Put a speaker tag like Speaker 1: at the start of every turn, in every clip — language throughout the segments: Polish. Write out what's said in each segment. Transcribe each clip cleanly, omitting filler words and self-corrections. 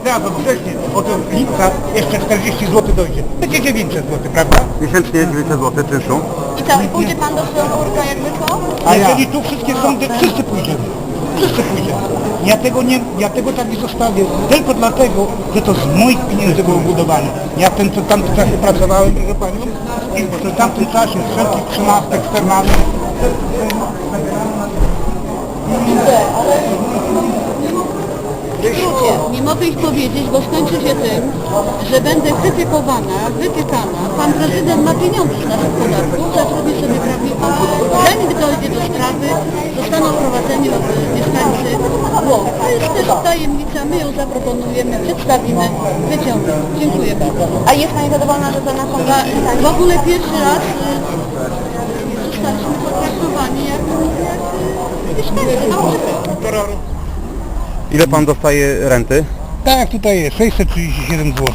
Speaker 1: zdradzą wcześniej, od lipca jeszcze 40 zł dojdzie. Będzie 900 zł, prawda?
Speaker 2: Miesięcznie 900 zł czynszu.
Speaker 3: I co, i pójdzie pan do Strasburga jakby co?
Speaker 1: A jeżeli tu wszystkie sądy, wszyscy pójdziemy. Wszyscy pójdziemy. Ja tego tak nie zostawię, tylko dlatego, że to z moich pieniędzy było budowane. Ja w tamtym czasie pracowałem, proszę Panią, i w tamtym czasie wszelkich 13 eksternalnych.
Speaker 3: W skrócie, nie mogę ich powiedzieć, bo skończy się tym, że będę krytykowana, wytykana. Pan prezydent ma pieniądze z naszych podatków, zatrudni sobie prawników. Zanim dojdzie do sprawy, zostaną wprowadzeni mieszkańcy Włoch. To jest też tajemnica, my ją zaproponujemy, przedstawimy, wyciągniemy. Dziękuję bardzo.
Speaker 4: A jest Pani zadowolona, że to na komisji?
Speaker 3: W ogóle pierwszy raz zostaliśmy potraktowani jak mieszkańcy na ulicy.
Speaker 2: Ile pan dostaje renty?
Speaker 1: Tak jak tutaj jest, 637 zł.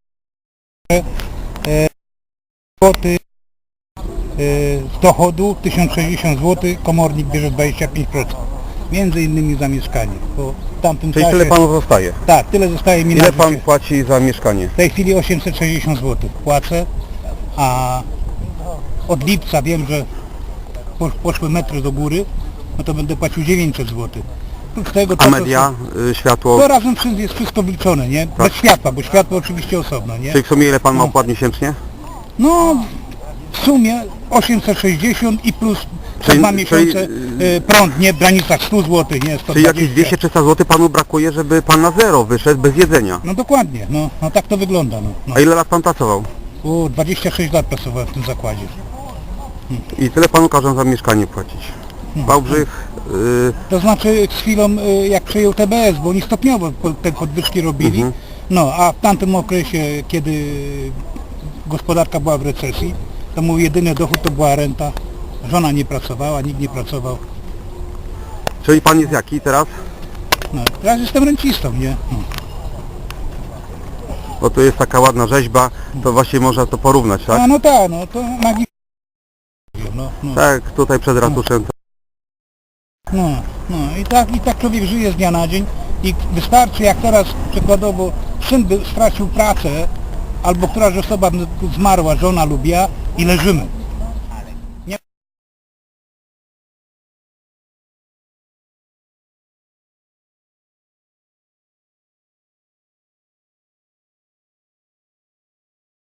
Speaker 1: Kwoty z dochodu 1060 zł, komornik bierze 25%. Między innymi za mieszkanie. Bo w tamtym
Speaker 2: Czyli
Speaker 1: czasie,
Speaker 2: tyle panu zostaje.
Speaker 1: tak, tyle zostaje mi na
Speaker 2: Ile
Speaker 1: życie.
Speaker 2: pan płaci za mieszkanie?
Speaker 1: W tej chwili 860 zł płacę, a od lipca wiem, że poszły metry do góry, no to będę płacił 900 zł. Oprócz tego
Speaker 2: A media, światło?
Speaker 1: to razem jest wszystko wliczone, nie?
Speaker 2: Tak.
Speaker 1: Bez światła, bo światło oczywiście osobno, nie?
Speaker 2: Czyli w sumie ile pan ma opłat miesięcznie?
Speaker 1: No w sumie 860 i plus przez
Speaker 2: Czyli-
Speaker 1: 2 miesiące prąd, nie? W granicach 100 zł, nie? 120.
Speaker 2: Czyli jakieś 200-300 zł panu brakuje, żeby pan na zero wyszedł bez jedzenia?
Speaker 1: No dokładnie, no tak to wygląda, no.
Speaker 2: A ile lat pan pracował?
Speaker 1: 26 lat pracowałem w tym zakładzie.
Speaker 2: I tyle panu każą za mieszkanie płacić. Wałbrzych,
Speaker 1: To znaczy z chwilą jak przejął TBS, bo oni stopniowo te podwyżki robili, no a w tamtym okresie, kiedy gospodarka była w recesji, to mój jedyny dochód to była renta. Żona nie pracowała, nikt nie pracował.
Speaker 2: czyli pan jest jaki teraz?
Speaker 1: No, teraz jestem rencistą, nie? No.
Speaker 2: Bo tu jest taka ładna rzeźba, to właśnie można to porównać, tak?
Speaker 1: A no tak, no to magii. No.
Speaker 2: Tak, tutaj przed ratuszem.
Speaker 1: No i tak człowiek żyje z dnia na dzień i wystarczy jak teraz przykładowo syn by stracił pracę albo któraś osoba zmarła, żona lub ja i leżymy.